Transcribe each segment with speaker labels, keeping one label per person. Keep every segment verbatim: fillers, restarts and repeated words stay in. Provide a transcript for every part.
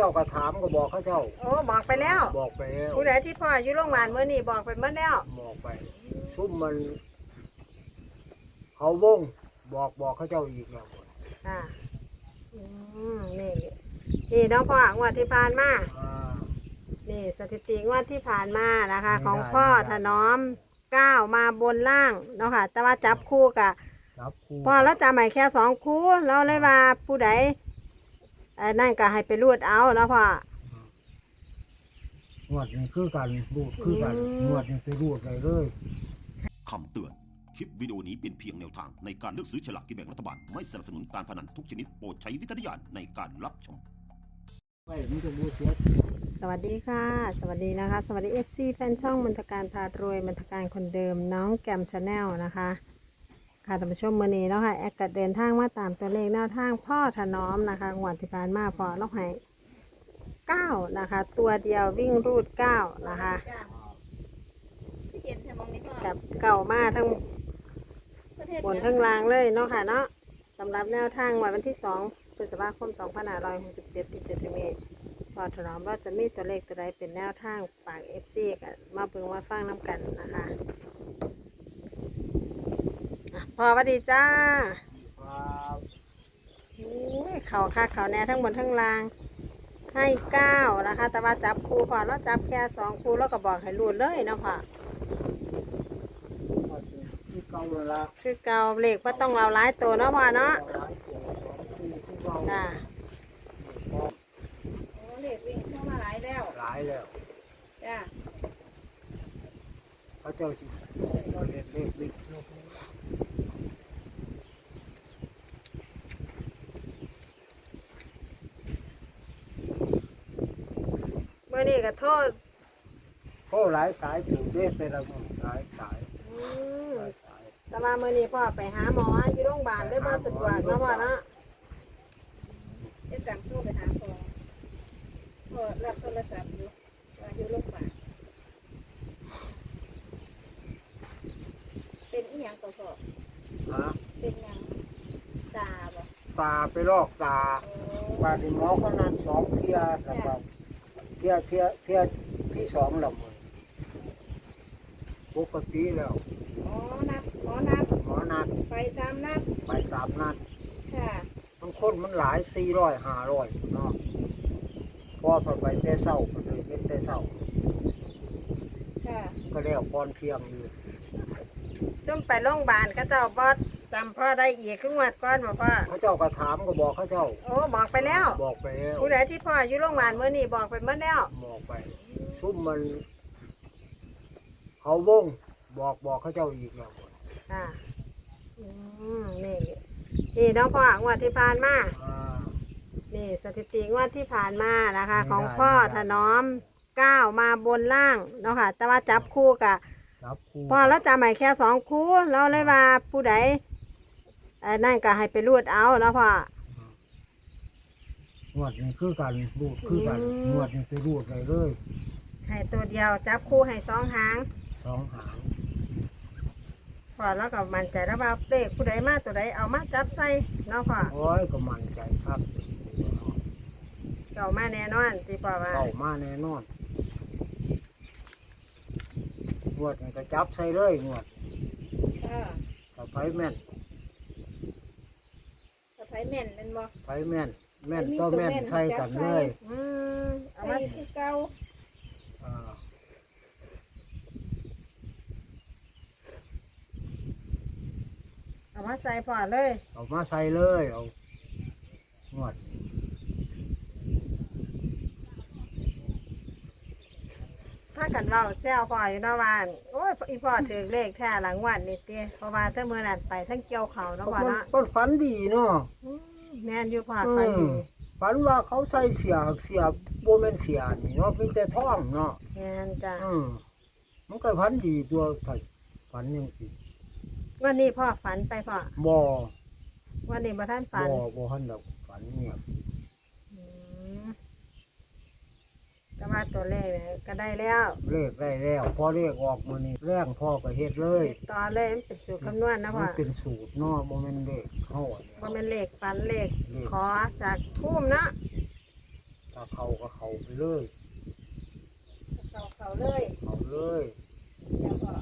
Speaker 1: จ้าก็ถามก็บอกเขาเจ้า
Speaker 2: โอ้บอกไปแล้ว
Speaker 1: บอกไปแล้ว
Speaker 2: ผู้ใดที่พ่ออยู่โรงพยาบาลเมื่อนี้บอกไปเมื่อแล้ว
Speaker 1: บอกไปซุ่มมันเขาวงบอกบอกเขาเจ้าอีกแล้ว
Speaker 2: อ่าอืมนี่นี่น้องพ่องวดที่ผ่านมานี่สถิติงวดที่ผ่านมานะคะ ของพ่อถนอมก้าวมาบนล่างเนาะค่ะแต่ว่าจับคู่กับพ่อแล้วจำใหม่แค่สองคู่เราเลยว่าผู้ใดนั่นก็ให้ไปรูดเอาแล้วพ่อง
Speaker 1: วดนี้คือกันรูดคือกันงวดนี้ไปรูดเลยเลย
Speaker 3: คำเตือนคลิปวิดีโอนี้เป็นเพียงแนวทางในการเลือกซื้อฉลากกินแบ่งรัฐบาลไม่สนับสนุนการพนันทุกชนิดโปรดใช้วิจารณญาณในการรับชม
Speaker 2: สวัสดีค่ะสวัสดีนะคะสวัสดี เอฟ ซี แฟนช่องมนทการพารวยมนทการคนเดิมน้องแกมชาแนลนะคะค่ะท่านผู้ชมมื้อนี้เนาะค่ะแอดกัดเดินทางมาตามตัวเลขแนวทางพ่อถนอมนะคะงวดที่ผ่านมาพอล็อกให้เก้านะคะตัวเดียววิ่งรูดเก้านะคะกับเก่ามาทั้งบนทั้งล่างเลยเนาะค่ะเนาะสำหรับแนวทางวันที่สองพฤษภาคมสองพันห้าร้อยหกสิบเจ็ดที่จะถึงนี้พอถนอมเราจะมีตัวเลขตัวใดเป็นแนวทางฝาก เอฟ ซี กันมาเบิ่งมาฟังน้ำกันนะคะพอสวัสดีจ้าโอ้ยเขาค่ะเขาแน่ทั้งบนทั้งล่างให้เก้านะคะแต่ว่าจับคู่พอเราจับแค่สองคู่แล้วก็บอกให้รูดเลยเนาะค่ะ
Speaker 1: คือเก่าละ
Speaker 2: คือเก่าเลขว่าต้องเราหลายตัวเนาะพ่อเนาะจ้าโอ้เลขวิ่งเข้ามาหลายแล้ว
Speaker 1: หลายแล้ว
Speaker 2: จ้า
Speaker 1: เขาเจ้าสิเลขเลขวิ่ง
Speaker 2: เมื่อนี้ก็โทษ
Speaker 1: โทษหลายสายถึงเด้แต่ละมือหลายสายหลายสาย
Speaker 2: แต่ว่าเมื่อนี้พ่อไปหาหมออยู่โรงพยาบาลได้มาสะดวกเนาะพ่อเนาะจะจำโทรไปหาพ่อพ่อรับโทรศัพท์อยู่ว่าอยู่โรงพยาบาลเป็นอีหยังต่อพ่อ
Speaker 1: ฮะ
Speaker 2: เป็นหยังตาบ่
Speaker 1: ตาไปลอกตาบาดหมอก็นัดสองเที่ยแล้วก็เที่ยเที่ยเที่ยที่สองละมือปกติแล้ว
Speaker 2: อ๋อนัดหมอนัด
Speaker 1: หมอนัด
Speaker 2: ไปตามนัด
Speaker 1: ไปตามนัด
Speaker 2: ค่ะ
Speaker 1: บางคนมันหลายสี่ร้อยห้าร้อยเนาะพอพอไปแต่เศร้าก็เลยเป็นแต่เศร้า
Speaker 2: ค่ะ
Speaker 1: ก็แล้วก่อนเที่ยงอยู่
Speaker 2: จมไปโรงพยาบาลก็เจ้าบอสจำพ่อได้อีกครึ่งวันก่อนบอกว่า
Speaker 1: เขาเจ้าก็ถามก็บอกเขาเจ้า
Speaker 2: โอ้บอกไปแล้ว
Speaker 1: บอกไปแล้ว
Speaker 2: ผู้ใดที่พ่ออยู่โรงพยาบาลเมื่อนี้บอกไปเมื่อแล้ว
Speaker 1: บอกไปซุ่มมันเขาวงบอกบอกเขาเจ้าอีกแล้ว
Speaker 2: อ่าอืมนี่นี่น้องพ่องวดที่ผ่านมานี่สถิติงวดที่ผ่านมานะคะ ของพ่อถนอมก้าวมาบนล่างเนาะค่ะแต่ว่าจับคู่กับพ่อแล้วจำใหม่แค่สองคู่เราเลยว่าผู้ใดนั่นก็ให้ไปรูดเอาแล้วพ่อง
Speaker 1: วดนี้คือกันรูดคือกันงวดนี้ไปรูดเลยเลย
Speaker 2: ให้ตัวเดียวจับคู่ให้สองหาง
Speaker 1: สองหาง
Speaker 2: พอแล้วก็มันใจแล้วว่าเลขผู้ใดมาตัวใดเอามาจับใส่เนาะพ่อ
Speaker 1: โอ้ยก็มันใจครับ
Speaker 2: เก่ามาแน่นอนที่พ่อว่า
Speaker 1: เก่ามาแน่นอนงวดนี้ก็จับใส่เลยงวดสะไพแม่น
Speaker 2: สะไพแม่นเป็นบ่
Speaker 1: ไพแม่นแม่นก็แม่นใส่กันเลย
Speaker 2: อืมเอามาคือเก่าเอามาใส่พอเลย
Speaker 1: เอามาใส่เลยเอางวด
Speaker 2: ถ้ากันว่าเซลพ่ออยู่นอกบ้านโอ้ยอีพ่อถือเลขแท้หลังวันนี่เตี้ยเพราะว่าถ้าเมื่อนั้นไปทั้งเกี่ยวเขาเนาะพ่อเนาะ
Speaker 1: ก็ฝันดีเนาะ
Speaker 2: แม่นอยู่พ่อฝันดี
Speaker 1: ฝันว่าเขาใส่เสียเสียโบเมนเสียนี่เนาะมีแต่ท่องเนาะ
Speaker 2: แม่นจ้ะ
Speaker 1: อืมมันก็ฝันดีตัวฝันยังสิ
Speaker 2: วันนี้พ่อฝันไปพ่อ
Speaker 1: บ่
Speaker 2: วันนี้บ่ท่านฝัน
Speaker 1: บ่บ่ท่านดอกฝันเงียบ
Speaker 2: แต่ว่าตัวเลขก็ได้แล้ว
Speaker 1: เลขได้แล้วพอเลขออกมื้อนี้แรงพ่อก็เฮ็ดเลย
Speaker 2: ตอนเลยมันเป็นสูตรคำนวณนะพ่อ
Speaker 1: มันเป็นสูตรเนาะบ่แม่นเลขเฮา
Speaker 2: บ่แม่นเลขฝันเลขขอจากภูมิเนาะ
Speaker 1: ถ้าเขาก็เขาไปเลย
Speaker 2: เขาเขาเลย
Speaker 1: เขาเลย
Speaker 2: แล้วก็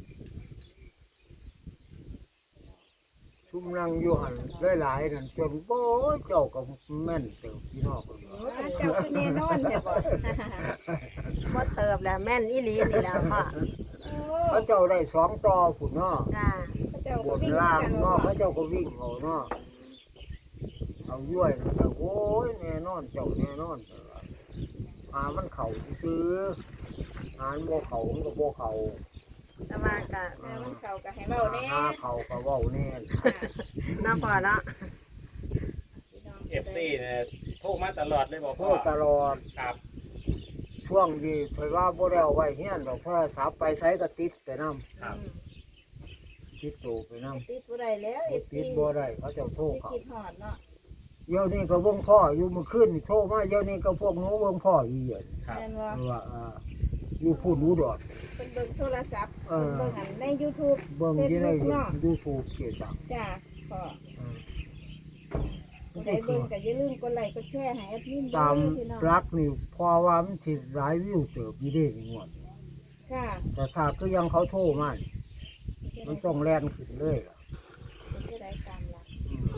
Speaker 1: ชุ่มนั่งอยู่หันหลายๆนั่นจนโอ้ยเจ้าก็แม่นเติบพี่น้องคนว่า
Speaker 2: อ่าเจ้าคือแน่นอนแม่บ่บ่เติบแล้วแม่นอีหลีนี่แล้วพ่อ
Speaker 1: พระเจ้าได้สองต่อผุนเนาะ
Speaker 2: จ้า
Speaker 4: เจ้า
Speaker 1: บ
Speaker 4: ก็
Speaker 1: น
Speaker 4: วิ่ง
Speaker 1: ล่าง
Speaker 4: กัน
Speaker 1: เนาะ
Speaker 4: เนาะ
Speaker 1: พระเจ้าก็วิ่งเอาเนาะเอาย้วยนั่นก็โอ้ยแน่นอนเจ้าแน่นอนหามันเข่าซื้อหาโบเขามันก็โบเขา
Speaker 2: แต่ว่าก็
Speaker 4: แม่มันเข้าก็ให้เว้าแน่
Speaker 1: หาเขาก็เว้าแน่
Speaker 2: น้าพ่อเนาะ
Speaker 5: เอฟซีเนี่ยโทรมาตลอดเลยบอก
Speaker 1: โท
Speaker 5: พ่อ
Speaker 1: ษตลอด
Speaker 5: ครับ
Speaker 1: ช่วงที่เคยว่าบ่ได้เอาไว้เฮียนดอกโทรศัพท์ไปใช้ก็ติดไปนำ
Speaker 5: ครับ
Speaker 1: ติดตัวไปนำ
Speaker 4: ติดบ่ได้แล้ว
Speaker 1: บ่ติดบ่ได้เขาเจ้าโทร
Speaker 4: สิ
Speaker 1: เขา
Speaker 4: คิดฮอดเนาะ
Speaker 1: เดี๋ยวนี้ก็เบิ่งพ่ออยู่เมื่อคืนนี่โทรมาเดี๋ยวนี้ก็พวกหนูเบิ่งพ่ออยู่เย็น
Speaker 5: ครับ
Speaker 4: แม่นบ่
Speaker 1: ว่าอ่าอยู่พูดรู้ดอด
Speaker 4: เพิ่นเบิ่งโทรศัพท์
Speaker 1: เออ
Speaker 4: เบิ่งอันใน YouTube
Speaker 1: เบิ่งอยู่ใน
Speaker 4: Facebook เนาะ
Speaker 1: ยูทูบเกี่ยวกับ
Speaker 4: จ้าพ่อ
Speaker 1: อืม
Speaker 4: ผู้ใดเบิ่งก็อย่าลืมกดไลค์กดแชร์ให้แอดมินด้วย
Speaker 1: ตาม
Speaker 4: พี่น้อง
Speaker 1: รักนี่พอว่ามันสิหลายวิวเติบอยู่เด้นี่งวด
Speaker 4: ค่ะ
Speaker 1: แต่ถ้าคือยังเขาโทรมานี่มันต้องแล่นขึ้นเลยล่ะ
Speaker 4: ผู้ใดตามหลัก
Speaker 1: อืม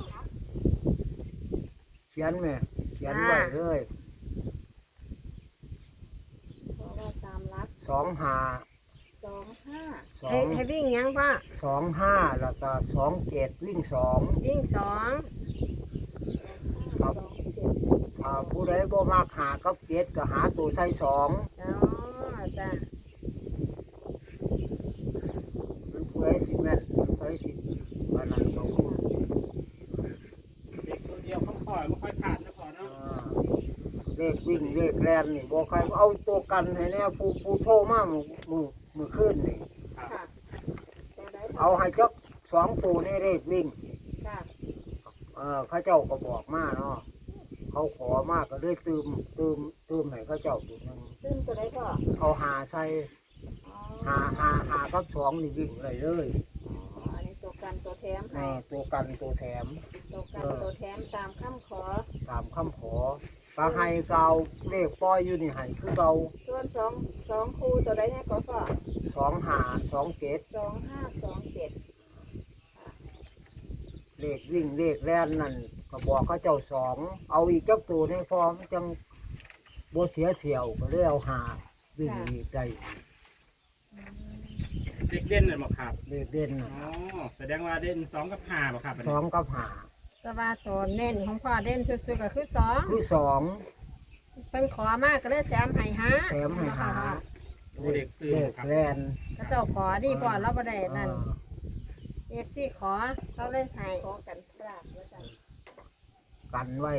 Speaker 1: เขียนแม่เขียนไว้เลย
Speaker 4: เพราะว่าตามหลัก
Speaker 1: สองห้า
Speaker 4: สองห้า
Speaker 1: สอ
Speaker 2: ให้
Speaker 1: ง
Speaker 2: ให้วิ่งหยังพ่อ
Speaker 1: สองห้าแล้วก็สองเจ็ดวิ่งสอง
Speaker 2: วิ่งสอง
Speaker 1: ครับ
Speaker 4: สองเจ็ด
Speaker 1: ถ้าผู้ใดบ่มักหากับเจ็ดก็หาตัวใส่สอง
Speaker 2: อ๋อจ้า
Speaker 1: มันผู้ใดสิแม่นผู้ใดสิอันนั้นเขา
Speaker 5: เด็กตัวเดียวเขาคอยไม่ค่อยผ่านนะพ่อเนาะ
Speaker 1: อ่าเลขวิ่งเลขแล่นนี่บ่ใครเอาตัวกันให้แน่ผู้ผู้โทรมามื้อมื้อมื้อคืนนี่
Speaker 5: ครับ
Speaker 4: ค่ะตัวใด
Speaker 1: เอาให้จักสองตัวในเลขวิ่ง
Speaker 4: ค่ะ
Speaker 1: เออเขาเจ้าก็บอกมาเนาะเขาขอมาก็เลยตืมตืมตืมให้เขาเจ้าตัวหนึง
Speaker 4: ซึ่งตัวใดพ่อ
Speaker 1: เอาหาใส่
Speaker 4: อ๋อ
Speaker 1: หาหาหากับสองนี่วิ่งเลยเลย
Speaker 4: อ๋ออันนี้ตัวกันตัวแถม
Speaker 1: แน่
Speaker 4: ค่ะ
Speaker 1: ตัวกันตัวแถม
Speaker 4: ตัวกันตัวแถมตามคำขอ
Speaker 1: ตามคำขอปลาไฮเกาเลขปล่อยอยู่นี่ไห้คือเกา
Speaker 4: ส่วนสองสองคู่ตัวใดเนี่ยก็ก็
Speaker 1: สองหาสองเจ็ด
Speaker 4: สองห้าสองเจ็ด
Speaker 1: เลขวิ่งเลขแล่นนั่นก็บอกเขาเจ้าสองเอาอีกจักตัวในพร้อมนจังโบเสียเที่ยวก็เลยเอาหาวิ่งอีกได้
Speaker 5: เด็กเด่นเลยบอกครับ
Speaker 1: เลขเด่น
Speaker 5: อ๋
Speaker 1: น่ะ
Speaker 5: อแสดงว่าเด่นสองกับห้าบอกครับอัน
Speaker 1: ส
Speaker 5: นี้
Speaker 1: องกับหา
Speaker 2: แต่ว่าตัวเน้นของพ่อเด่นสุดๆก็คือสอง
Speaker 1: คือสอง
Speaker 2: เป็นขอมากก็เลยแถมให้ฮะ
Speaker 1: แถมให้หา
Speaker 5: โอ้เด็กตื่น
Speaker 1: เลข
Speaker 5: ครับ
Speaker 1: แล่น
Speaker 2: พระเจ้าขอดีพ่อเราบ่ได้นั่น
Speaker 1: อ่า
Speaker 2: เอฟซีขอเขาเลยให้
Speaker 4: ขอกันพลาดว่าสั่น
Speaker 1: กันไว้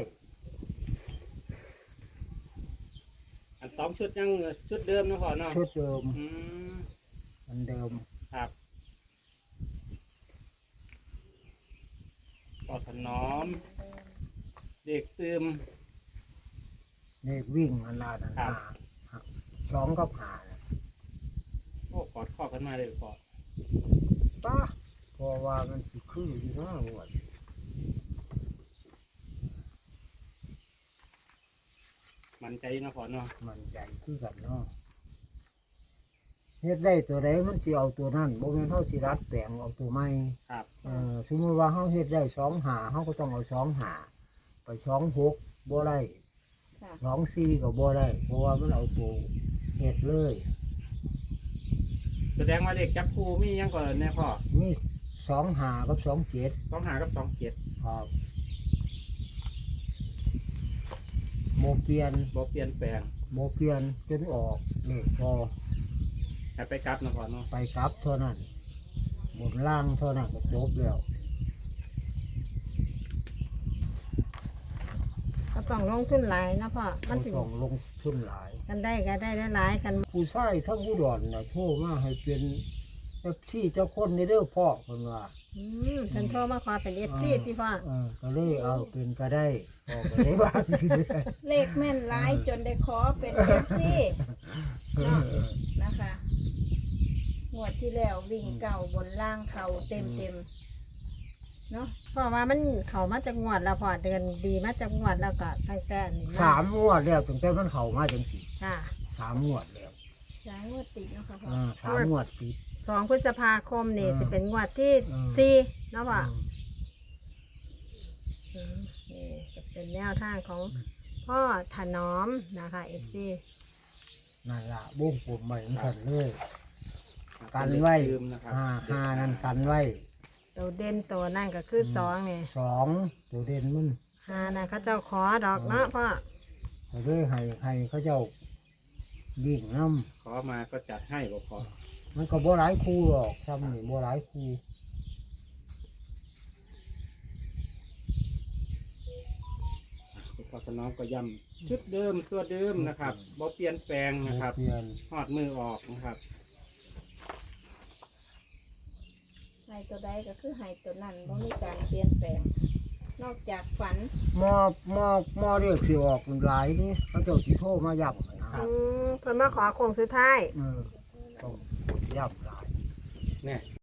Speaker 5: อันสองชุดยังชุดเดิมนะพ่อเนาะ
Speaker 1: ชุดเดิม
Speaker 5: อืม
Speaker 1: เหมันเดิม
Speaker 5: ครับปอดถนอม เด็กตื่ม
Speaker 1: เลขวิ่งอันละนั่น
Speaker 5: ครับ
Speaker 1: หาสองกับหาน่ะ
Speaker 5: โอ้กอดข้อกันมาเลยพ่อ
Speaker 1: ป้าเพราะว่ามันสิคืออยู่นะหมด
Speaker 5: มันใจนะพ่อเนาะ
Speaker 1: มันใจคือกันเนาะเฮ็ดได้ตัวใดมันสิเอาตัวนั้นบ่แม่นเฮาสิรัดแปลงเอาตัวใหม่
Speaker 5: ครับ
Speaker 1: เออสมมุติว่าเฮาเฮ็ดได้สองหาเฮาก็ต้องเอาสองหาไปสองหกบ่ได้
Speaker 4: ค่ะ
Speaker 1: สองสี่ก็บ่ได้เพราะว่ามันเอาตัวเฮ็ดเลย
Speaker 5: แสดงว่าเด็กจับคู่มียังก่อนเนี่ยพ่อ
Speaker 1: มีสองหากับสองเจ็ด
Speaker 5: สองหากับสองเจ็ด
Speaker 1: ครับโมเปลี่ยน
Speaker 5: บอกเปลี่ยนแปลง
Speaker 1: โมเปลี่ยนจนออกเลขพอ
Speaker 5: ให้ไปกลับนะพ่อเนาะ
Speaker 1: ไปกลับเท่านั้นบนล่างเท่านั้นก็จบแล้ว
Speaker 2: ก็ต้องลงทุนหลายนะพ่อมันสิ
Speaker 1: ต้องลงทุนหลาย
Speaker 2: กันได้ก็ได้หลายๆกัน
Speaker 1: ผู้ชายทั้งผู้ดอนน่ะโทรมาให้เป็นเอฟซีเจ้าคนในเด้อพ่อคนว่า
Speaker 2: อืมฉันโทรมาขอเป็นเอฟซีที่พ่อ
Speaker 1: เออก็เลยเอาเป็นก็ได้พ่อก็ได้ว่าสิ
Speaker 4: เลขแม่นหลายจนได้ขอเป็นเอฟซีเนาะนะคะงวดที่แล้ววิ่งเก่าบนล่างเขาเต็มเต็มเนาะ
Speaker 2: เพราะว่ามันเขามาจากงวดแล้วพอเดือนดีมาจากงวดแล้วก็ตั้งแต่นี่
Speaker 1: สามงวดแล้วตั้งแต่มันเข้ามาจังซี่
Speaker 2: ค่ะ
Speaker 1: สามงวดแล้ว
Speaker 4: สามงวดติดเนาะค่ะพ่อ
Speaker 1: อ่าสามงวดติด
Speaker 2: สองพฤษภาคมนี่
Speaker 1: อืม
Speaker 2: สิเป็นงวดที่
Speaker 1: อืม
Speaker 2: สี่เนาะพ่อ
Speaker 1: อืม
Speaker 2: อืมนี่ก็เป็นแนวทางของพ่อถนอมนะคะเอฟซี
Speaker 1: นั่นล่ะบุ้งปุ่มใหม่สั่นเลยกันไว้
Speaker 5: ลืมนะครับ
Speaker 1: ห้าห้านั่นกันไว้
Speaker 2: ตัวเด่นตัวนั่นก็คือสองเนี่ย
Speaker 1: สองตัวเด่นมัน
Speaker 2: ห้านะเขาเจ้าขอดอกเนาะพ่อ
Speaker 1: เขาเลยให้ให้เขาเจ้าวิ่งน้
Speaker 5: ขอมาก็จัดให้บ่พอ
Speaker 1: ำมันก็บ่หลายคู่หรอกซ้ำนี่บ่หลายคู่
Speaker 5: คุณพ่อถนอมก็ย้ำชุดเดิมตัวเดิมนะครับบ่เปลี่ยนแปลงนะครับ
Speaker 1: เปลี่ยน
Speaker 5: หอดมือออกนะครับ
Speaker 4: ให้ตัวใดก็คือให้ตัวนั้นบ่มีการเปลี่ยนแปลง นอกจากฝัน
Speaker 1: หมอหมอหมอเรียกสิออกหลายนี่เขาเจ้าสิโทรมาย้ำนะ
Speaker 5: ครั
Speaker 2: อื
Speaker 5: บ
Speaker 2: มเพิ่นมาขอโค้งสุดท้าย
Speaker 1: เออต้องย้ำหลาย
Speaker 5: เนี่ย